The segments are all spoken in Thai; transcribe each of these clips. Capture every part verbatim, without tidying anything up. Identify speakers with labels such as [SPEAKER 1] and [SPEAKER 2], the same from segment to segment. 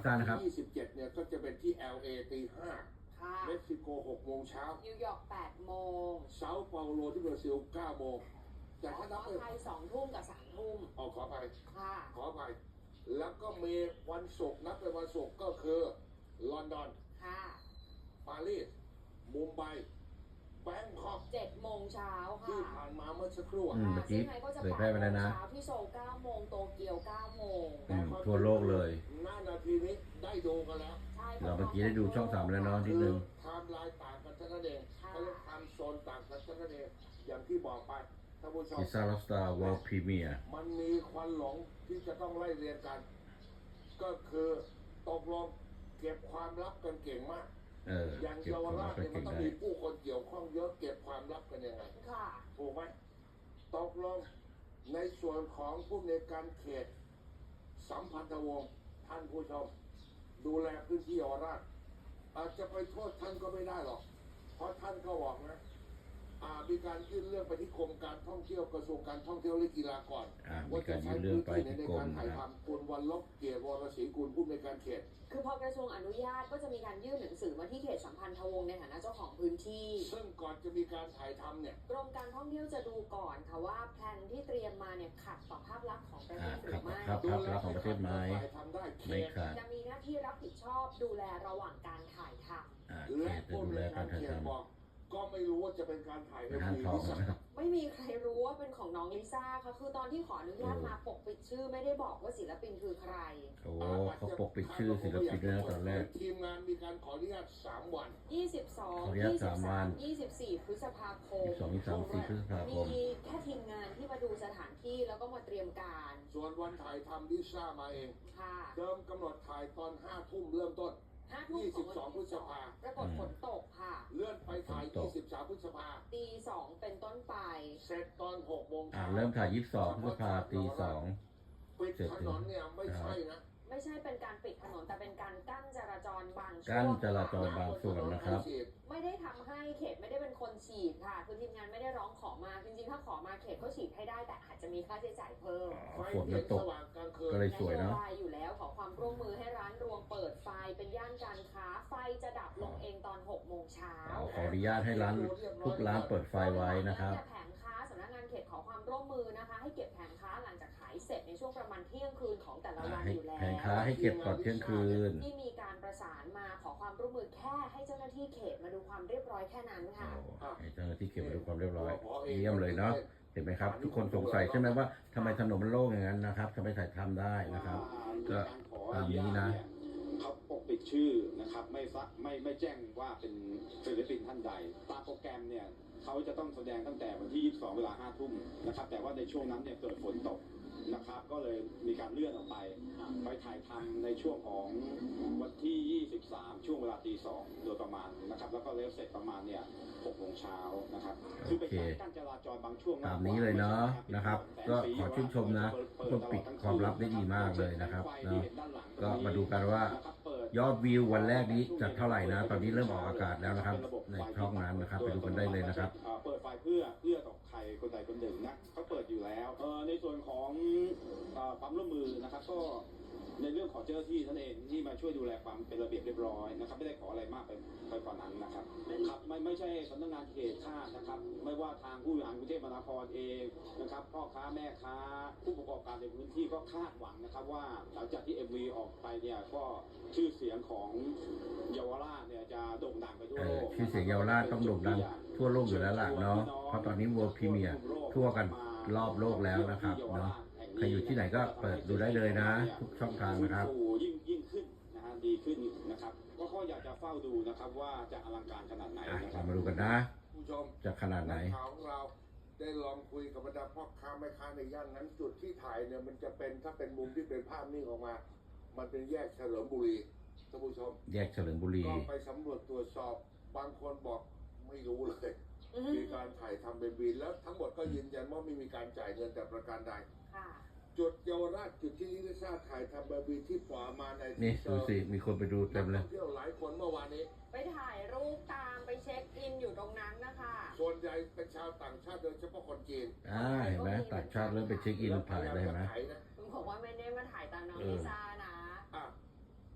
[SPEAKER 1] ท่านนะครับ
[SPEAKER 2] ยี่สิบเจ็ดเนี่ยก็จะเป็นที่ แอล เอ ตีห้าเม็กซิโกหกโมงเช้า
[SPEAKER 3] นิวยอร์กแปดโมง
[SPEAKER 2] เซาเปาโลที่บราซิลเก้าโมงแต่ถ้านับเป็น
[SPEAKER 3] ไทยสองทุ่มกับสามทุ่ม
[SPEAKER 2] อ๋อขอไป
[SPEAKER 3] ค่ะ
[SPEAKER 2] ขอไปแล้วก็มีวันศุกร์นับเป็นวันศุกร์ก็คือลอนดอน
[SPEAKER 3] ค่ะ
[SPEAKER 2] ปารีสมุมไบแบงคอก
[SPEAKER 3] เจ็ดโมงเช้าค่ะ
[SPEAKER 2] ที่ผ่านมาเมื่อสักครู่
[SPEAKER 1] อืมเมื่อกี้เผยแพร่ไปแล้วนะ
[SPEAKER 3] ที่โซลเก้าโมงโตเกียวเก้าโมง
[SPEAKER 1] ทั่วโลกเลย
[SPEAKER 2] หน้านาทีนี้ได้ดูกันแล้ว
[SPEAKER 1] เราเมื่อกี้ได้ดูช่องสามแล้วเนาะนิดนึง
[SPEAKER 2] ไทม์ไลน์ต่างกันเท่านั้นเองเขาเรียกไทม์โซนต่างกันเท่านั้นเองอย่างที่บอกไปท่านผู้ชม
[SPEAKER 1] ซิซ่าล็อบสตาร์เวิลด์พรีเมียร์
[SPEAKER 2] มันมีควันหลงที่จะต้องไล่เรียนกันก็คือตกลงเก็บความลับกันเก่งมาก
[SPEAKER 1] เออ
[SPEAKER 2] อย่างเยาวราชเนี่ยมันต้องมีผู้คนเกี่ยวข้องเยอะเก็บความลับกันยังไง
[SPEAKER 3] ค่ะ
[SPEAKER 2] ถูกไหมตกลงในส่วนของผู้ในการเขตสัมพันธวงศ์ท่านผู้ชมดูแลพื้นที่เยาวราชอาจจะไปโทษท่านก็ไม่ได้หรอกเพราะท่านก็บอกนะมีการยื่นเรื่องไปที่กรมการท่องเที่ยวกระทรวงการท่องเที่ยวและกีฬาก่อน
[SPEAKER 1] ว่าจะใช้พื้นที่ใน
[SPEAKER 2] การถ่ายทำคุณวันลบเกียรติวรศรีกุลผู้ในการเขต
[SPEAKER 3] คือพอกระทรวงอนุญาตก็จะมีการยื่นหนังสือมาที่เขตสัมพันธวงศ์ในฐานะเจ้าของพื้นที่
[SPEAKER 2] ซึ่งก่อนจะมีการถ่ายทำเนี่ย
[SPEAKER 3] กรมการท่องเที่ยวจะดูก่อนค่ะว่าแผนที่เตรียมมาเนี่ยขัดต่อภาพลักษณ์ของประเทศหรือไม่
[SPEAKER 1] ครับภาพลักษณ์ของประเทศไหม
[SPEAKER 2] ไม่
[SPEAKER 1] ขัด
[SPEAKER 3] จะมีหน้าที่รับผิดชอบดูแลระหว่างการถ่ายท
[SPEAKER 1] ำและ
[SPEAKER 2] ผู้ดูแลการถ่ายทำก็ไม่รู้ว่าจะเป็นการถ่ายเอ็มวี
[SPEAKER 1] ลิซ่า
[SPEAKER 3] ไม่มีใครรู้ว่าเป็นของน้องลิซ่าค่ะคือตอนที่ขออนุญาตมาปกปิดชื่อไม่ได้บอกว่าศิลปินคือใคร
[SPEAKER 1] โอ้เขาปกปิดชื่อศิลปินนะตอนแรก
[SPEAKER 2] ทีมงานมีการขออนุญาตสามวัน
[SPEAKER 3] ยี่สิบสองยี่สิบสามยี่สิบสี่พฤษภาคม
[SPEAKER 1] สองยี่สามสี่พฤษภาคม
[SPEAKER 3] มีแค่ทีมงานที่มาดูสถานที่แล้วก็มาเตรียมการ
[SPEAKER 2] ส่วนวันถ่ายทำลิซ่ามาเอง
[SPEAKER 3] ค่ะ
[SPEAKER 2] เดิมกำหนดถ่ายตอนห้าทุ่มเริ่มต้นยี่สิบสองพฤษภา
[SPEAKER 3] ปรากฏฝนตกค่ะ
[SPEAKER 2] เลื่อนไปถ่ายยี่สิบสามพฤษภา
[SPEAKER 3] ตีสองเป็นต้นไป
[SPEAKER 2] เสร็จตอนหกโมง
[SPEAKER 1] อ่าเริ่มถ่ายยี่สิบสองพฤษภาตีสอง
[SPEAKER 2] ปิดถนนเนี่ยไม่ใช่นะ
[SPEAKER 3] ไม่ใช่เป็นการปิดถนนแต่เป็นการกั้นจราจรบางช่วง
[SPEAKER 1] กั้นจราจรบางส่วนนะครับ
[SPEAKER 3] ไม่ได้ทำให้เขตไม่ได้เป็นคนฉีดค่ะคือทีมงานไม่ได้ร้องขอมาจริงๆถ้าขอมาเขตเขาฉีดให้ได้แต่อาจจะมีค่าใช้จ่ายเพิ่ม
[SPEAKER 1] ฝนมันตกก็เลยสวยเนาะ
[SPEAKER 3] อยู่แล้วขอความร่วมมือให้ร้านรวงเปิดไฟเป็นย่านการค้าไฟจะดับลงเองตอนหกโมงเช้า
[SPEAKER 1] ขออนุญาตให้ร้านทุกร้านเปิดไฟไว้นะครับ
[SPEAKER 3] แผงค้าสำนักงานเขตขอความร่วมมือนะคะให้เก็บแผงค้าหลังจากขายเสร็จในช่วงประมาณเที่ยงคืนของแต่ละวันอยู่แล้ว
[SPEAKER 1] แผงค้าให้เก็บก่อนเที่ยงคืน
[SPEAKER 3] ที่มีการประสานมาขอความร่วมมือแค่ให้เจ้าหน้าที่เขตมาดูความเรียบร้อยแค่นั้นค่ะ
[SPEAKER 1] ให้เจ้าหน้าที่เขตมาดูความเรียบร้อยเยี่ยมเลยเนาะเห็นไหมครับทุกคนสงสัยใช่ไหมว่าทำไมถนนมันโล่งอย่างนั้นนะครับทำไมถ่ายทำได้นะครับก็ตามนี้นะ
[SPEAKER 4] เขาปกปิดชื่อนะครับไม่ไม่ไม่แจ้งว่าเป็นศิลปินท่านใดตามโปรแกรมเนี่ยเขาจะต้องแสดงตั้งแต่วันที่ยี่สิบสองเวลาห้าทุ่มนะครับแต่ว่าในช่วงนั้นเนี่ยเกิดฝนตกนะครับก็เลยมีการเลื่อนออกไปไปถ่ายทำในช่วงของวันที่ยี่สิบสามช่วงเวลาตีสองโดยประมาณนะครับแล้วก็เลิฟเสร็จประมาณเนี่ยหกโมงเช้านะครับคือเป็นการกั้นจราจรบางช่วง
[SPEAKER 1] ตามนี้เลยเนาะนะครับก็ขอชื่นชมนะทุกคนปิดความลับได้ดีมากเลยนะครับเนาะก็มาดูกันว่ายอดวิววันแรกนี้จะเท่าไหร่นะตอนนี้เริ่มออกอากาศแล้วนะครับในช่องนั้นนะครับไปดูกันได้เลยนะครับ
[SPEAKER 4] เปิดไฟเพื่อเพื่อต่อใครคนใดคนหนึ่งนะเขาเปิดอยู่แล้วในส่วนของความร่วมมือนะครับก็ในเรื่องของเจ้าหน้าที่ท่านเองที่มาช่วยดูแลความเป็นระเบียบเรียบร้อยนะครับไม่ได้ขออะไรมากไปไปกว่านั้นนะครับครับไม่ไม่ใช่สำนักงานเขตคาดนะครับไม่ว่าทางผู้บริหารกรุงเทพมหานครเองนะครับพ่อค้าแม่ค้าผู้ประกอบการในพื้นที่ก็คาดหวังนะครับว่าหลังจากที่ เอ็ม วี ออกไปเนี่ยก็ชื่อเสียงของเยาวราชเนี่ยจะโด่งดังไปทั่วโลก
[SPEAKER 1] ชื่อเสียงเยาวราชต้องโด่งดังทั่วโลกอยู่แล้วล่ะเนาะเพราะตอนนี้ World Premiere ทั่วกันรอบโลกแล้วนะครับเนาะใครอยู่ที่ไหนก็เปิดดูได้เลยนะทุกช่องทางนะครับ
[SPEAKER 4] ยิ่งยิ่งขึ้นนะฮะดีขึ้นนะครับก็ข้ออยากจะเฝ้าดูนะครับว่าจะอลังการขนาดไหนนะครับ
[SPEAKER 1] มาดูกันนะ
[SPEAKER 2] ผู้ชม
[SPEAKER 1] จะขนาดไหน
[SPEAKER 2] ข่าวของเราได้ลองคุยกับบรรดาพ่อค้าแม่ค้าในย่านนั้นจุดที่ถ่ายเนี่ยมันจะเป็นถ้าเป็นมุมที่เป็นภาพนิ่งออกมามันเป็นแยกเฉลิมบุรีท่านผู้ชม
[SPEAKER 1] แยกเฉลิมบุรี
[SPEAKER 2] ก็ไปสำรวจตรวจสอบบางคนบอกไม่รู้เลยมีการถ่ายทำเป็นบินแล้วทั้งหมดก็ยืนยันว่าไม่มีการจ่ายเงินแต่ประการใดจุดเยาวราชจุดที่ลิซ่าถ่ายทำแบบที่ปล่อยมาใน
[SPEAKER 1] นี่ดูสิมีคนไปดูเต็มเลย
[SPEAKER 2] เที่ยวหลายคนเมื่อวานนี้
[SPEAKER 3] ไปถ่ายรูปตามไปเช็คอินอยู่ตรงนั้นนะคะ
[SPEAKER 2] ส่วนใหญ่เป็นชาวต่างชาติโดยเฉพาะคนจีน
[SPEAKER 1] อ่าเห็นไหมต่างชาติเริ่มไปเช็คอินถ่ายเลยเห็นไหม
[SPEAKER 3] คุณบอกว่าไม่ได้มาถ่ายตามน้องลิซ่านะ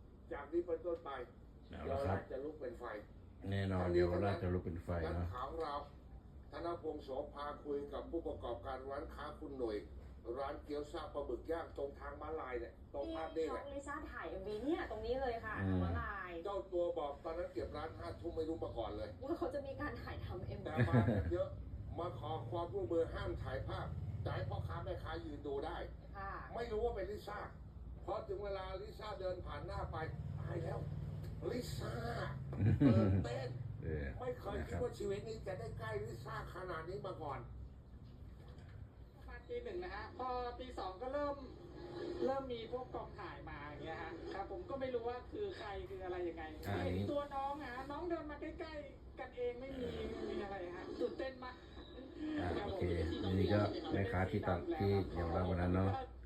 [SPEAKER 2] นี้เป็นต้นไป
[SPEAKER 1] เอา
[SPEAKER 2] เยา
[SPEAKER 1] ละ
[SPEAKER 2] ว
[SPEAKER 1] ครั
[SPEAKER 2] รา
[SPEAKER 1] บ
[SPEAKER 2] ชจะลุกเป็นไฟ
[SPEAKER 1] แน่นอนเดี๋ยวเราจะลุกเป็นไฟ
[SPEAKER 2] นัก
[SPEAKER 1] เนาะ
[SPEAKER 2] ข่าวเราธนพงศ์โสภาคุยกับผู้ประกอบการร้านค้าคุณหน่วย ร้านเกี๊ยวซ่าปลาบึกย่างตรงทางม้าลายเนี่ยตรงภาพนี้
[SPEAKER 3] น้
[SPEAKER 2] แห
[SPEAKER 3] อง
[SPEAKER 2] ละ
[SPEAKER 3] ลิซ่าถ่ายเอ็มวีเนี่ยตรงนี้เลยค่ะ
[SPEAKER 1] อืม
[SPEAKER 3] ทางม้าลาย
[SPEAKER 2] เจ้าตัวบอกตอนนั้นเก็บร้านห้าทุ่มไม่รู้มาก่อนเลย
[SPEAKER 3] ว่าเขาจะมีการถ่ายทำเอ็ม
[SPEAKER 2] แต่
[SPEAKER 3] วี
[SPEAKER 2] มากันเยอะ มาขอความร่วมมือห้ามถ่ายภาพแต่ให้พ่อค้าแม่ค้ายืนดูได้
[SPEAKER 3] ค่ะ
[SPEAKER 2] ไม่รู้ว่าเป็นลิซ่าพอถึงเวลาลิซ่าเดินผ่านหน้าไปตายแล้ว ลิซ่าตื่นเต้น
[SPEAKER 1] เออ
[SPEAKER 2] ไม่เคย
[SPEAKER 1] นะ
[SPEAKER 2] คิ
[SPEAKER 1] ค
[SPEAKER 2] ด
[SPEAKER 1] รับ
[SPEAKER 2] ว่าชีวิตนี้จะได้ใกล้ลิซ่าขนาดนี้มาก่อน
[SPEAKER 5] ประมาณปีหนึ่งนะฮะ พอปีสองก็เริ่มเริ่มมีพวกกองถ่ายมาอย่างเงี้ยฮะครับผมก็ไม่รู้ว่าคือใครคืออะไรยังไง
[SPEAKER 1] อ่า
[SPEAKER 5] เห็นตัวน้องฮะน้องเดินมาใกล้ๆกันเองไม่มีไม่มีอะไรฮะตื่นเต้นมาก
[SPEAKER 1] อ่าโอเคนี่ก็แม่ค้าที่ตัดที่เยาวราชวันนั้นเนาะ
[SPEAKER 5] ถ